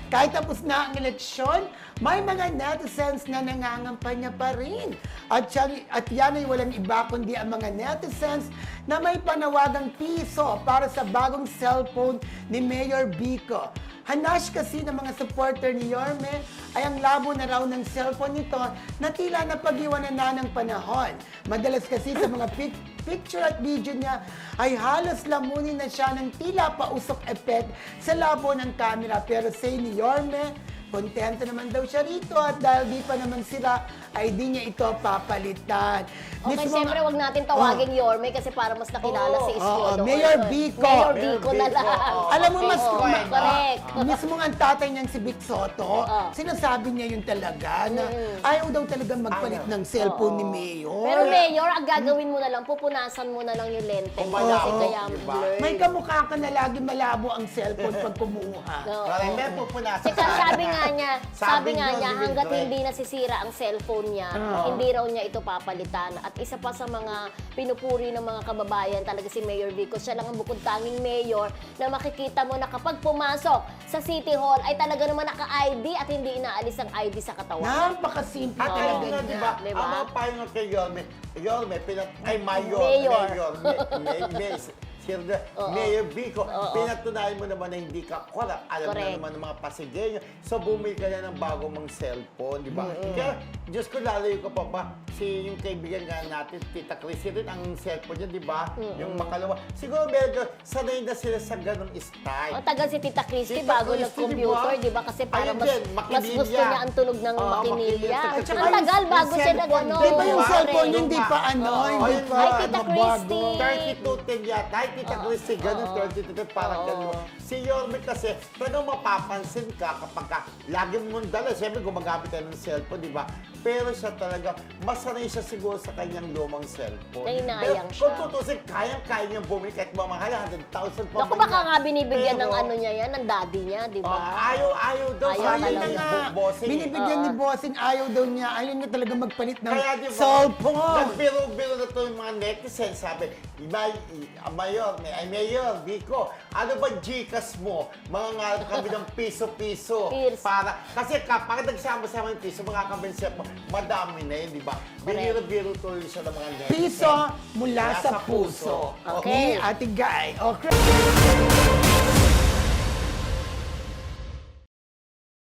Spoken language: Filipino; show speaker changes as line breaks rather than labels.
Kahit tapos na ang eleksyon, may mga netizens na nangangampanya pa rin. At yan ay walang iba kundi ang mga netizens na may panawagang piso para sa bagong cellphone ni Mayor Vico. Hanash kasi ng mga supporter ni Yorme ay ang labo na raw ng cellphone nito na tila napag-iwanan na ng panahon. Madalas kasi sa mga picture at video niya ay halos lamunin na siya ng tila pausok effect sa labo ng camera. Pero say ni Yorme, kontento naman daw siya rito at dahil di pa naman sila ay di niya ito papalitan.
Okay, siyempre wag natin tawagin Yorme kasi para mas nakilala si Isko.
Mayor Vico.
Mayor Vico na lang.
Alam mo, mas
correct.
mismo nga ang tatay niyang si Vic Soto, sinasabi niya yun talaga na ayaw daw talaga magpalit ng cellphone ni Mayor.
Pero Mayor, ang gagawin mo na lang, pupunasan mo na lang yung lente mo kasi kaya blurred.
May kamukha ka na lagi malabo ang cellphone pag kumuha.
Parang may pupunasan.
Kasi sabi
Sabi
nga
niyo,
niya,
ni
hanggat
Mildred.
hindi nasisira ang cellphone niya, hindi raw niya ito papalitan. At isa pa sa mga pinupuri ng mga kababayan talaga si Mayor Vico. Siya lang ang bukod tanging mayor na makikita mo na kapag pumasok sa City Hall ay talaga naman naka-ID at hindi inaalis ang ID sa katawan.
Napakasimple
At
talaga
ayun nga,
niya.
diba?
Diba?
Ang mga payo nga kay Yorme, Mayor Vico, pinatunayan mo naman na hindi ka corrupt. Alam
Correct.
na naman ng mga Pasigueño. So, bumili ka na ng bago mong cellphone, di ba? Kaya, Diyos ko, lalayo ka pa ba? Yung kaibigan nga natin, Tita Chrissy rin, ang cellphone niya, di ba? Yung makalawa. Siguro, medyo sanay na sila sa ganong style.
Ang tagal si Tita Christy
Tita
bago
Christy,
nag-computer,
diba?
di ba? Kasi para
Ayun
mas,
din,
mas
makinilya.
gusto niya ang tunog ng
Oo,
makinilya.
makinilya.
Ang
Tsaka
tagal
yung
bago siya
cellphone,
nag-ano.
Di ba yung
Correct.
cellphone hindi pa hindi pa
Ay, Tita
mabago.
Christy.
3210 yata. Ay, Tita Christy, ganun, 3210, parang ganun. Si Yorme kasi, talagang mapapansin ka kapag lagi mong dala. Siyempre, gumagamit ka ng cellphone, di ba? Pero siya talaga, masanay siya siguro sa kanyang lumang cellphone.
Nainayang
Pero
siya.
kung tutusin, kaya niya bumili kahit mamahal, 100,000 pa
Naku,
man
baka
yan.
nga binibigyan ng
Pero,
ano niya yan, ng daddy niya, di ba?
Ayaw daw.
Ayaw
Sayang
talaga.
na nga. Bossing.
Binibigyan ni Bossing, ayaw daw niya. Ayaw niya talaga magpalit ng
Kaya di ba,
cellphone.
nagbiro-biro na to yung mga netizens, sabi, Mayor, Vico, ano ba Gcash mo? Mga nga kami ng piso-piso.
Cheers.
Kasi kapag nagsama-sama yung piso, mga kabensep mo, madami na yun, di ba? Biniro-biro tuloy siya ng mga netizens.
Piso mula sa puso.
Okay.
Ni Ate Guy. Okay.